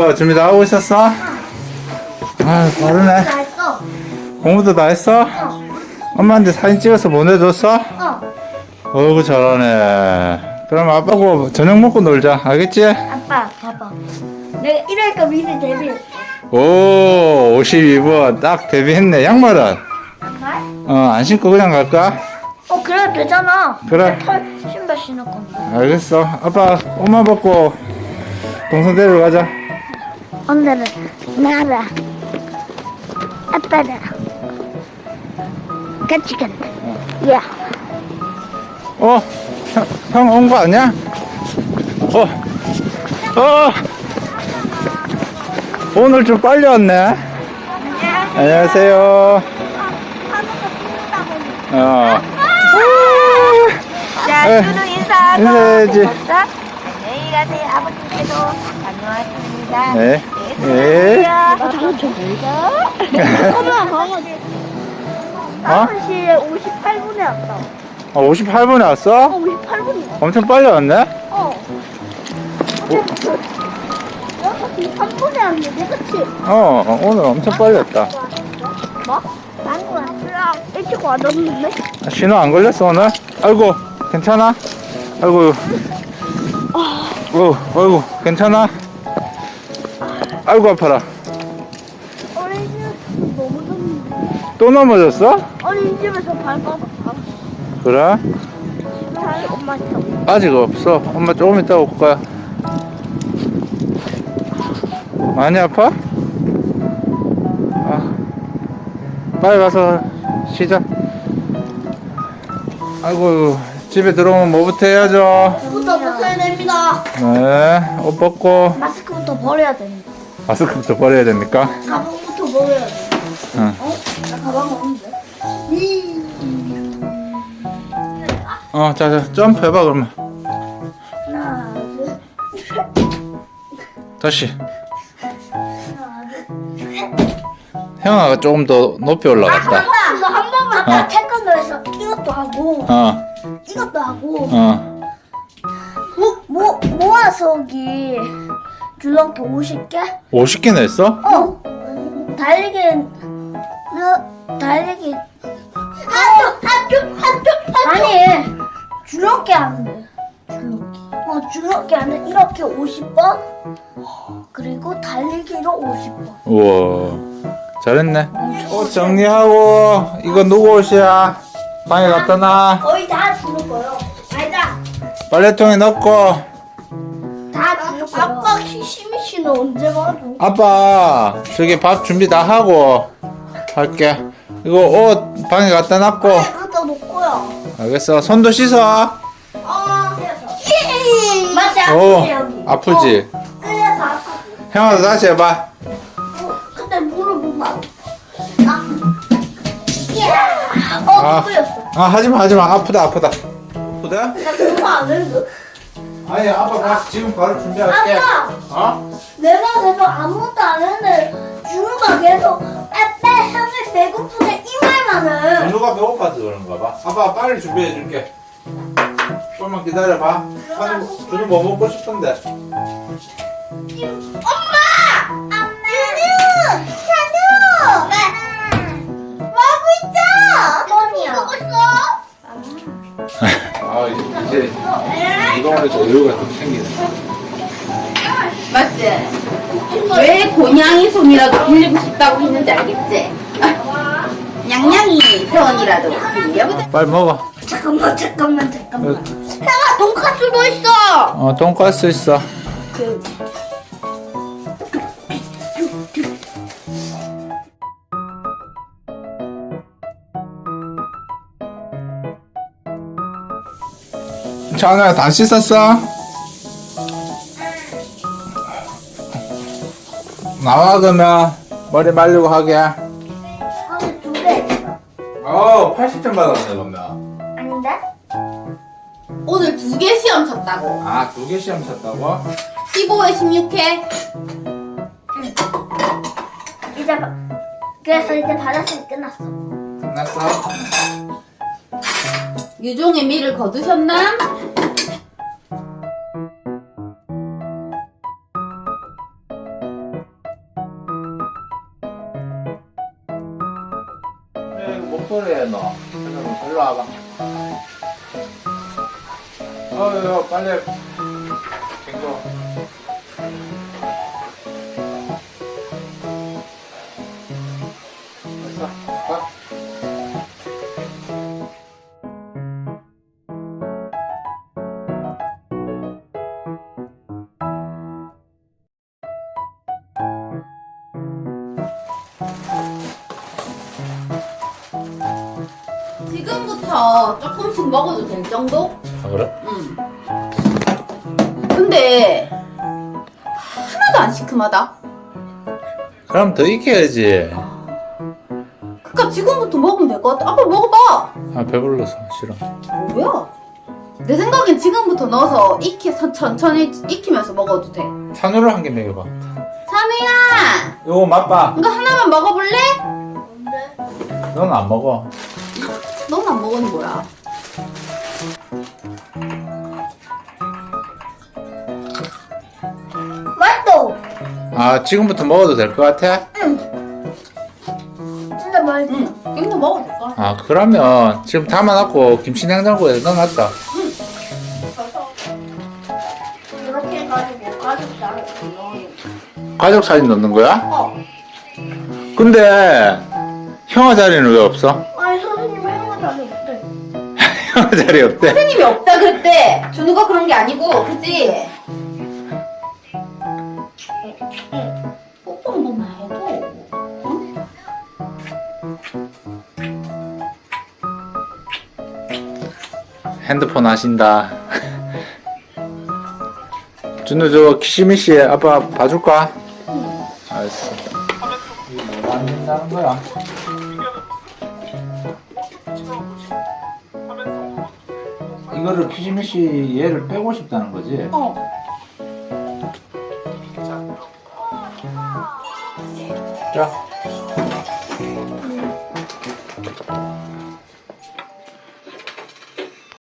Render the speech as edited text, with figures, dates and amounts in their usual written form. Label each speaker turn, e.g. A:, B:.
A: 공부 준비 다 하고 있었어? 아, 빠르네.
B: 다 했어.
A: 공부도 다 했어?
B: 어.
A: 엄마한테 사진 찍어서 보내줬어?
B: 어.
A: 어이구, 잘하네. 그럼 아빠하고 저녁 먹고 놀자. 알겠지?
B: 아빠, 봐봐. 내가 이러니까 미리 데뷔했어.
A: 오, 52번. 딱 데뷔했네. 양말은?
B: 정말?
A: 안 신고 그냥 갈까?
B: 그래도 되잖아.
A: 그래.
B: 털 신발 신을 건데.
A: 알겠어. 아빠 엄마 받고 동생 데리러 가자.
B: 오늘은 나라 아빠랑 같이 간다. 야.
A: 형 온 거 아니야? 오늘 좀 빨리 왔네. 안녕하세요.
B: 자,
A: 에,
B: 준우 인사하고.
A: 인사해야지.
B: 안녕히 가세요. 아버님께도 다녀왔습니다.
A: 네.
B: 네.
A: 네.
B: 엄마 강아지. 5시 58분에 왔다.
A: 58분에 왔어?
B: 58분이야.
A: 엄청 빨리 왔네?
B: 6시 3분에 왔는데, 그치?
A: 오늘 엄청 빨리 왔다.
B: 뭐? 안구야. 일찍 와줬는데?
A: 신호 안 걸렸어, 오늘? 아이고, 괜찮아? 아이고, 아이고, 괜찮아? 아이고, 아파라.
B: 어린이집에서 너무 덥는데.
A: 또 넘어졌어?
B: 어린이집에서 밟아서
A: 그래?
B: 다시 엄마 쳐.
A: 아직 없어. 엄마 조금 이따 올 거야. 많이 아파? 빨리 가서 쉬자. 아이고, 집에 들어오면 뭐부터 해야죠?
B: 부터 벗어야 됩니다.
A: 네, 옷 벗고.
B: 마스크부터 버려야 됩니다.
A: 마스크부터 버려야 됩니까?
B: 가방부터 버려야 돼.
A: 응.
B: 나 가방 없는데.
A: 자, 점프해봐, 그러면.
B: 하나, 둘,
A: 다시.
B: 하나, 둘.
A: 형아가 조금 더 높이 올라갔다.
B: 이거 한 번만 아까 태권도에서 이것도 하고 이것도 하고 모아서기 줄넘기 50개?
A: 50개나 했어?
B: 달리기 아니 줄넘기 하는데 줄넘기 하는데 이렇게 50번 그리고 달리기로 50번
A: 우와, 잘했네. 옷 정리하고, 이거 누구 옷이야? 방에 갖다 놔.
B: 거의 다 주는 거요. 아니다.
A: 빨래통에 넣고.
B: 다 주는 거요. 아빠 시시미 씨는 언제 봐줘?
A: 아빠, 저기 밥 준비 다 하고 할게. 이거 옷 방에 갖다 놨고.
B: 갖다 놓고요.
A: 알겠어. 손도 씻어.
B: 맞지
A: 오,
B: 아프지 여기.
A: 아프지?
B: 그래서 아프지.
A: 형아도 다시 해봐.
B: 근데 무릎은 막.
A: 아.
B: 뚫렸어.
A: 하지마, 아프다. 아프다?
B: 나 그거 안 했는데.
A: 아니, 아빠 지금 바로 준비할게.
B: 아빠. 내가 아무것도 안 했는데 준우가 계속 아빠 형이 배고프네 이 말만 해.
A: 준우가 배고파서 그런가 봐. 아빠 빨리 준비해 줄게. 조금만 기다려봐. 준우 뭐 먹고 싶은데?
B: 찬우! 뭐하고 있어? 뻔이야.
A: 이제 이동안에서 여유가 좀 생기네.
C: 맞지? 왜 고냥이 손이라도 빌리고 싶다고 했는지 알겠지? 냥냥이 손이라도 빌려보자.
A: 빨리 먹어.
B: 잠깐만. 형아 돈까스도 있어.
A: 돈가스 있어. 찬우야, 다 씻었어? 나와, 그러면 머리 말리고 하게.
B: 오늘 2개 있어.
A: 80점 받았네, 그러면.
B: 아닌데?
C: 오늘 2개 시험 쳤다고.
A: 2개 시험 쳤다고?
C: 15회 16회.
B: 그래서 이제 받았으니 끝났어.
A: 끝났어?
C: 유종의 미를 거두셨나?
A: 해, 너? 일로 와봐. 빨리. 갱도. 됐어. 가.
C: 지금부터 조금씩 먹어도 될 정도?
A: 아, 그래?
C: 응. 근데 하나도 안 시큼하다.
A: 그럼 더 익혀야지.
C: 그니까 지금부터 먹으면 될 것 같아. 아빠 먹어봐.
A: 아, 배불러서 싫어.
C: 뭐야? 내 생각엔 지금부터 넣어서 천천히 익히면서 먹어도 돼.
A: 산후를 한 개 먹여봐.
C: 찬우야!
A: 이거 맛봐.
C: 이거 하나만 먹어볼래?
B: 뭔데?
A: 넌 안 먹어.
C: 넌 안 먹으니 뭐야?
B: 맛있어.
A: 아, 지금부터 먹어도 될 것 같아?
B: 진짜 맛있어.
C: 응. 이거 먹어도 될까?
A: 아, 그러면 지금 담아놨고 김치 냉장고에 넣어놨다.
B: 이렇게 해가지고 가족 자를 넣어요.
A: 가족 사진 넣는 거야?
B: 어.
A: 근데 형아 자리는 왜 없어?
B: 아니 선생님 행어 자리 없대.
A: 형아 자리 없대.
C: 선생님이 없다 그랬대. 준우가 그런 게 아니고, 그치? 뽀뽀 한 번만 해도. 응?
A: 핸드폰 하신다. 준우 저 키시미씨 아빠 봐줄까? 알았어. 이게 뭐가 안 된다는 거야? 이거를 키시미씨 얘를 빼고 싶다는 거지?
B: 어.
A: 자.